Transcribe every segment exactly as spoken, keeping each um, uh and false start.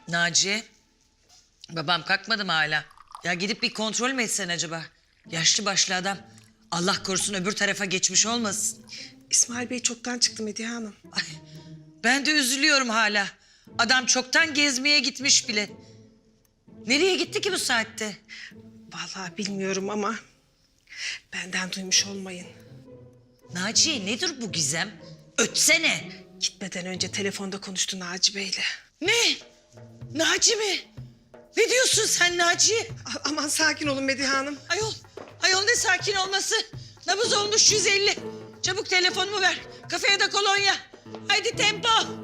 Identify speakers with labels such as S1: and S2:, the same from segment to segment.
S1: Naciye, babam kalkmadı mı hala? Ya gidip bir kontrol mü etsen acaba? Yaşlı başlı adam. Allah korusun öbür tarafa geçmiş olmasın.
S2: İsmail Bey çoktan çıktı Medihe Hanım.
S1: Ay, ben de üzülüyorum hala. Adam çoktan gezmeye gitmiş bile. Nereye gitti ki bu saatte?
S2: Vallahi bilmiyorum ama benden duymuş olmayın.
S1: Naciye nedir bu gizem? Ötsene.
S2: Gitmeden önce telefonda konuştu Naci Bey'le.
S1: Ne? Naci mi? Ne diyorsun sen Naciye?
S2: A- aman sakin olun Medihe Hanım.
S1: Ayol, ayol ne sakin olması. Nabız olmuş yüz elli. Çabuk telefonumu ver. Kafeye de kolonya. Haydi tempo.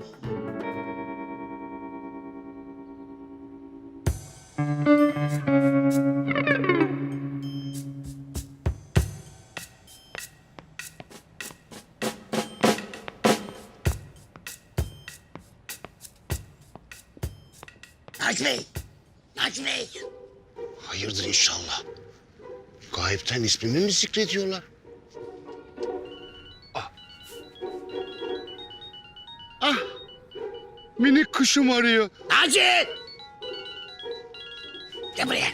S3: Naci Bey! Naci Bey!
S4: Hayırdır inşallah. Gayipten ismimi mi zikrediyorlar? Ah. Ah. Minik kuşum arıyor.
S3: Naci! Gel buraya.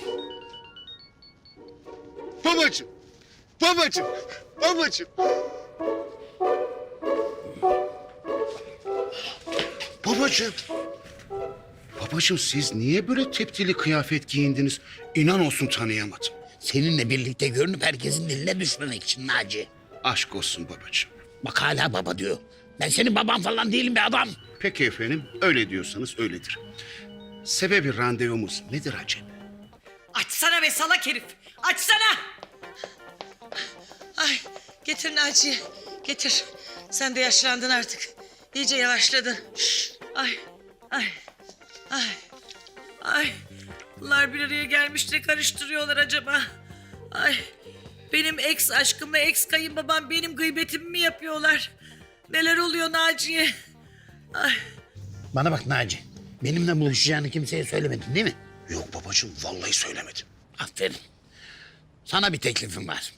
S4: Babacığım. Babacığım. Babacığım. Babacığım. Babacığım siz niye böyle teptili kıyafet giyindiniz? İnan olsun tanıyamadım.
S3: Seninle birlikte görünüp herkesin diline düşmemek için Naci.
S4: Aşk olsun babacığım.
S3: Bak hala baba diyor. Ben senin baban falan değilim be adam.
S4: Peki efendim, öyle diyorsanız öyledir. Sebebi randevumuz nedir acaba?
S1: Açsana be salak herif. Açsana. Ay getir Naciye. Getir. Sen de yaşlandın artık. İyice yavaşladın. Ay. Ay. Ay. Ay. Bunlar bir araya gelmiş de karıştırıyorlar acaba. Ay. Benim ex aşkımla ex kayınbabam benim gıybetimi mi yapıyorlar? Neler oluyor Naciye? Ay.
S3: Bana bak Naci. Benimle buluşacağını kimseye söylemedin değil mi?
S4: Yok babacığım, vallahi söylemedim.
S3: Aferin. Sana bir teklifim var.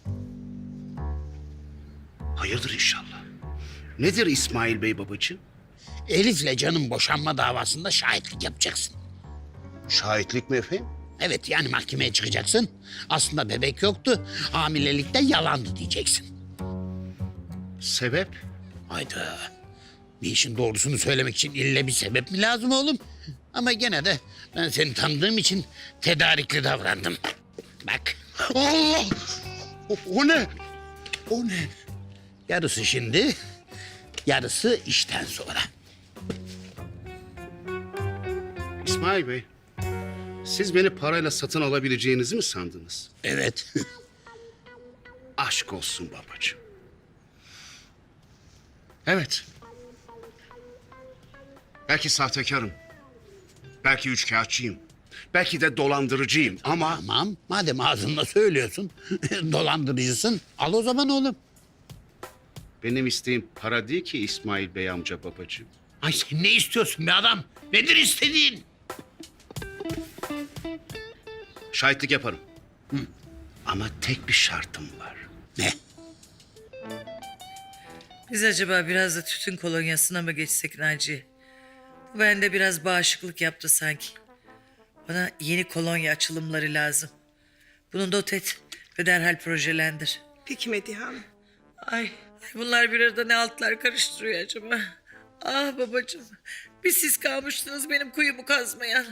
S4: Hayırdır inşallah. Nedir İsmail Bey babacığım?
S3: Elif'le Can'ın boşanma davasında şahitlik yapacaksın.
S4: Şahitlik mi efendim?
S3: Evet yani mahkemeye çıkacaksın. Aslında bebek yoktu. Hamilelikte yalandı diyeceksin.
S4: Sebep?
S3: Hayda. Bir işin doğrusunu söylemek için ille bir sebep mi lazım oğlum? Ama gene de ben seni tanıdığım için tedarikli davrandım. Bak.
S4: Allah! O, o ne? O ne?
S3: Yarısı şimdi, yarısı işten sonra.
S4: İsmail Bey, siz beni parayla satın alabileceğinizi mi sandınız?
S3: Evet.
S4: Aşk olsun babacığım. Evet. Belki sahtekarım. Belki üçkağıtçıyım. Belki de dolandırıcıyım ama...
S3: Tamam, madem ağzınla söylüyorsun, dolandırıcısın, al o zaman oğlum.
S4: Benim isteğim para değil ki İsmail Bey amca babacığım.
S3: Ay sen ne istiyorsun be adam? Nedir istediğin?
S4: Şahitlik yaparım. Hı. Ama tek bir şartım var.
S3: Ne?
S1: Biz acaba biraz da tütün kolonyasına mı geçsek Naciye? Bu bende biraz bağışıklık yaptı sanki. Bana yeni kolonya açılımları lazım. Bunu not et ve derhal projelendir.
S2: Peki Medihe Hanım.
S1: Ay, ay bunlar bir arada ne altlar karıştırıyor acaba? Ah babacığım, bir siz kalmıştınız benim kuyumu kazmayan.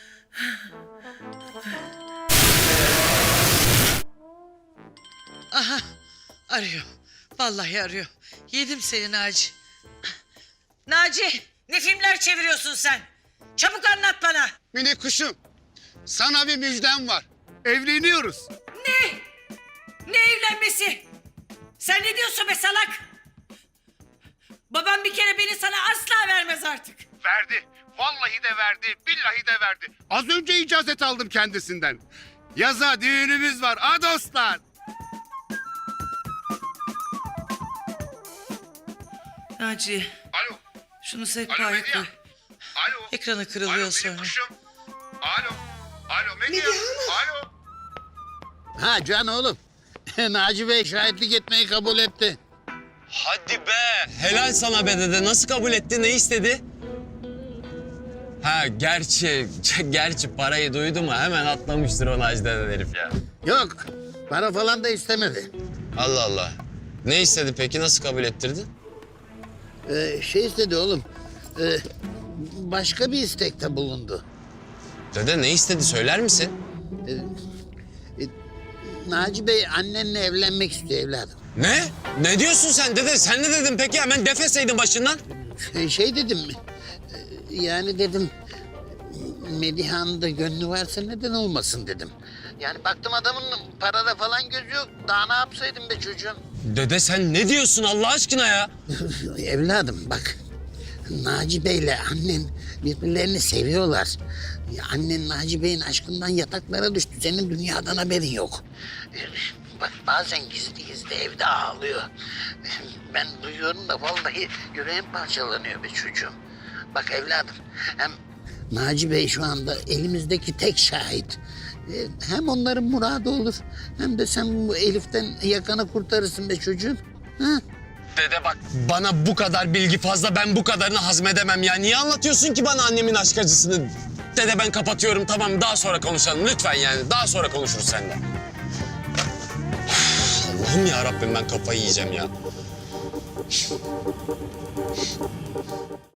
S1: Aha, arıyor. Vallahi arıyor. Yedim seni Naci. Naci, ne filmler çeviriyorsun sen? Çabuk anlat bana.
S4: Minik kuşum, sana bir müjdem var. Evleniyoruz.
S1: Ne? Ne evlenmesi? Sen ne diyorsun be salak? Babam bir kere beni sana asla vermez artık.
S4: Verdi. Vallahi de verdi. Billahi de verdi. Az önce icazet aldım kendisinden. Yaza düğünümüz var. Ha dostlar.
S1: Naci,
S4: Alo.
S1: şunu
S4: Alo
S1: sehpaya
S4: Medya.
S1: koy.
S4: Alo.
S1: Ekranı kırılıyor
S4: Alo,
S1: sonra.
S4: Minik kuşum. Alo. Alo Medya. Alo.
S3: Ha Can oğlum. Naci Bey şahitlik etmeyi kabul etti.
S5: Hadi be. Helal sana be dede. Nasıl kabul etti? Ne istedi? Ha gerçi, gerçi parayı duydu mu hemen atlamıştır o Naci denen herif ya.
S3: Yok, para falan da istemedi.
S5: Allah Allah. Ne istedi peki, nasıl kabul ettirdi?
S3: Ee, şey istedi oğlum, ee, başka bir istekte bulundu.
S5: Dede ne istedi söyler misin?
S3: Naci Bey annenle evlenmek istiyor evladım.
S5: Ne? Ne diyorsun sen dede? Sen ne dedin peki? Hemen defeseydin başından.
S3: Şey, şey dedim, ee, yani dedim, Medihan'ın da gönlü varsa neden olmasın dedim. Yani baktım adamın parada falan gözü yok. Daha ne yapsaydım be çocuğum?
S5: Dede sen ne diyorsun Allah aşkına ya?
S3: Evladım bak, Naci Bey'le annen birbirlerini seviyorlar. Ya annen Naci Bey'in aşkından yataklara düştü. Senin dünyadan haberin yok. Bak bazen gizli gizli evde ağlıyor. Ben duyuyorum da vallahi yüreğim parçalanıyor be çocuğum. Bak evladım, hem Naci Bey şu anda elimizdeki tek şahit. Ee, Hem onların muradı olur, hem de sen bu Elif'ten yakanı kurtarırsın be çocuğum. Ha?
S5: Dede bak bana bu kadar bilgi fazla, ben bu kadarını hazmedemem ya. Niye anlatıyorsun ki bana annemin aşk acısını? Dede ben kapatıyorum, tamam, daha sonra konuşalım lütfen yani. Daha sonra konuşuruz seninle. Üf, Allah'ım ya Rabbim, ben kafayı yiyeceğim ya.